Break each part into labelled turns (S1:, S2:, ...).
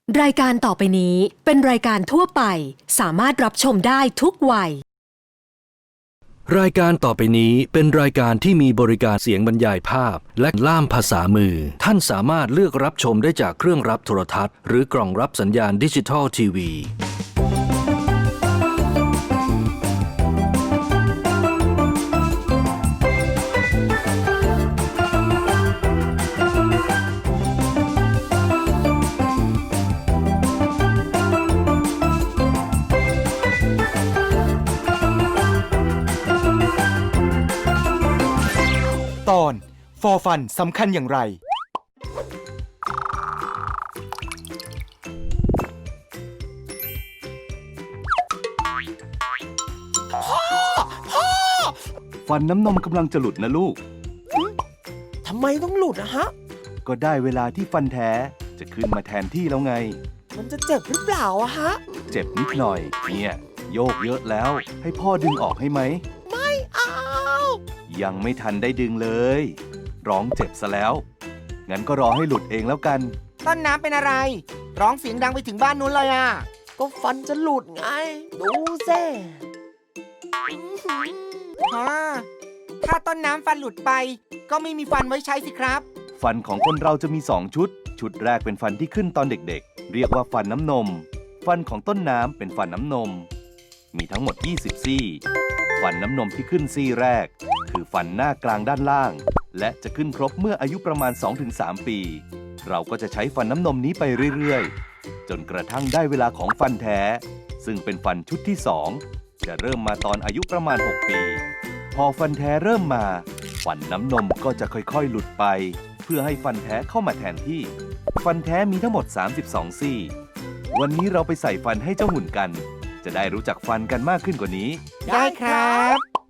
S1: รายการต่อไปนี้เป็นรายการทั่วไปสามารถรับชมได้ทุกวัย
S2: รายการต่อไปนี้เป็นรายการที่มีบริการเสียงบรรยายภาพและล่ามภาษามือท่านสามารถเลือกรับชมได้จากเครื่องรับโทรทัศน์หรือกล่องรับสัญญาณดิจิทัลทีวี
S3: ตอนฟอร์ฟันสำคัญอย่างไร
S4: ฟันน้ำนมกำลังจะหลุดนะลูก
S5: ทำไมต้องหลุดอะฮะ
S4: ก็ได้เวลาที่ฟันแท้จะขึ้นมาแทนที่แล้วไง
S5: มันจะเจ็บหรือเปล่าอะฮะ
S4: เจ็บนิดหน่อย เนี่ยโยกเยอะแล้ว ให้พ่อดึงออกให้ไหม
S5: ไม่เอา
S4: ยังไม่ทันได้ดึงเลย ร้องเจ็บซะแล้ว งั้นก็รอให้หลุดเองแล้วกัน
S5: ต้นน้ำเป็นอะไร ร้องเสียงดังไปถึงบ้านนู้นเลยอะก็ฟันจะหลุดไง ดูสิฮะถ้าต้นน้ำฟันหลุดไป ก็ไม่มีฟันไว้ใช้สิครับ
S4: ฟันของคนเราจะมี2ชุด ชุดแรกเป็นฟันที่ขึ้นตอนเด็กๆ เรียกว่าฟันน้ำนม ฟันของต้นน้ำเป็นฟันน้ำนม มีทั้งหมด20ซี่ ฟันน้ำนมที่ขึ้นซี่แรก คือฟันหน้ากลางด้านล่าง และจะขึ้นครบเมื่ออายุประมาณ 2-3 ปี เราก็จะใช้ฟันน้ำนมนี้ไปเรื่อยๆ จนกระทั่งได้เวลาของฟันแท้ ซึ่งเป็นฟันชุดที่2จะเริ่มมาตอนอายุประมาณ6 ปี พอฟันแท้เริ่มมาฟันน้ำนมก็จะค่อยๆหลุดไป เพื่อให้ฟันแท้เข้ามาแทนที่ ฟันแท้มีทั้งหมด32ซี่ วันนี้เราไปใส่ฟันให้เจ้าหุ่นกัน จะได้รู้จักฟันกันมากขึ้นกว่านี้
S5: ได้ครับ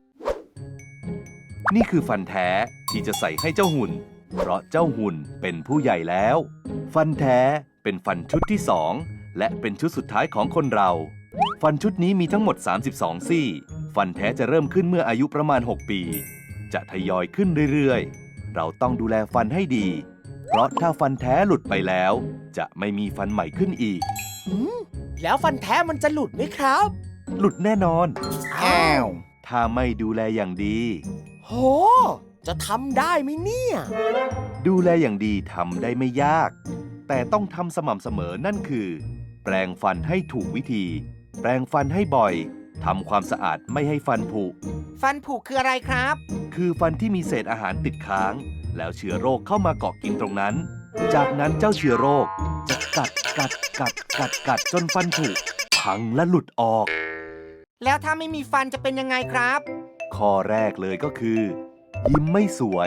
S4: นี่คือฟันแท้ที่จะใส่ให้เจ้าหุ่น เพราะเจ้าหุ่นเป็นผู้ใหญ่แล้ว ฟันแท้เป็นฟันชุดที่2และเป็นชุดสุดท้ายของคนเรา ฟันชุดนี้มีทั้งหมด32ซี่ ฟันแท้จะเริ่มขึ้นเมื่ออายุประมาณ6 ปี จะทยอยขึ้นเรื่อยๆ เราต้องดูแลฟันให้ดี เพราะถ้าฟันแท้หลุดไปแล้ว จะไม่มีฟันใหม่ขึ้นอีก
S5: แล้วฟันแท้มันจะหลุดไหมครับ
S4: หลุดแน่นอน
S5: อ้าว
S4: ถ้าไม่ดูแลอย่างดี
S5: โห จะทำได้ไหมเนี่ย
S4: ดูแลอย่างดีทำได้ไม่ยาก แต่ต้องทำสม่ำเสมอนั่นคือ แปรงฟันให้ถูกวิธี แปรงฟันให้บ่อยทำความสะอาดไม่ให้ฟันผุ
S5: ฟันผุคืออะไรครับ
S4: คือฟันที่มีเศษอาหารติดค้าง แล้วเชื้อโรคเข้ามาเกาะกินตรงนั้น จากนั้นเจ้าเชื้อโรคจะกัดจนฟันผุพังและหลุดออก
S5: แล้วถ้าไม่มีฟันจะเป็นยังไงครับ
S4: ข้อแรกเลยก็คือ ยิ้มไม่สวย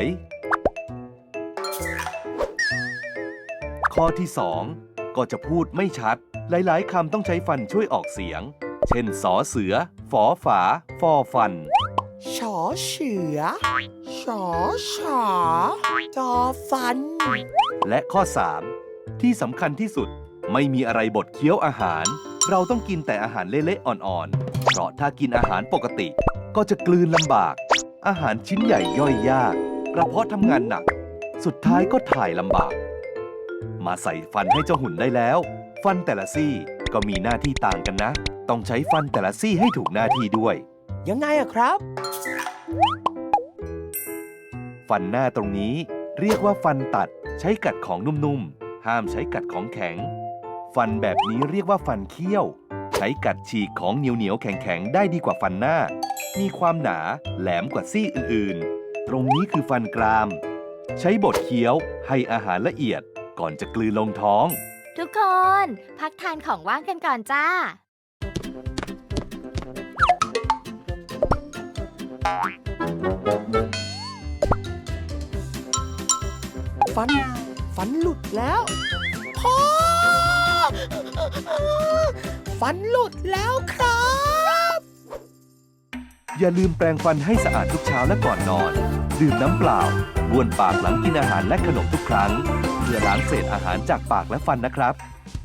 S4: ข้อที่2ก็จะพูดไม่ชัด หลายๆคำต้องใช้ฟันช่วยออกเสียง เช่นสอเสือ ฝอฝา ฟอฟัน
S5: ชอเสือชอฉาจอฟัน
S4: และข้อ 3 ที่สำคัญที่สุดไม่มีอะไรบดเคี้ยวอาหาร เราต้องกินแต่อาหารเละๆอ่อนๆ เพราะถ้ากินอาหารปกติ ก็จะกลืนลำบาก อาหารชิ้นใหญ่ย่อยยากกระเพาะทำงานหนัก สุดท้ายก็ถ่ายลำบาก มาใส่ฟันให้เจ้าหุ่นได้แล้ว ฟันแต่ละซี่ก็มีหน้าที่ต่างกันนะ ต้องใช้ฟันแต่ละซี่ให้ถูกหน้าที่ด้วย
S5: ยังไงอะครับ
S4: ฟันหน้าตรงนี้เรียกว่าฟันตัดใช้กัดของนุ่มๆ ห้ามใช้กัดของแข็ง ฟันแบบนี้เรียกว่าฟันเคี้ยว ใช้กัดฉีกของเหนียวๆแข็งๆได้ดีกว่าฟันหน้า มีความหนาแหลมกว่าซี่อื่นๆ ตรงนี้คือฟันกราม ใช้บดเคี้ยวให้อาหารละเอียดก่อนจะกลืนลงท้อง
S6: ทุกคน พักทานของว่างกันก่อนจ้า
S5: ฟันหลุดแล้วพ่อฟันหลุดแล้วครับ
S4: อย่าลืมแปรงฟันให้สะอาดทุกเช้าและก่อนนอน ดื่มน้ำเปล่าบ้วนปากหลังกินอาหารและขนมทุกครั้ง เพื่อล้างเศษอาหารจากปากและฟันนะครับ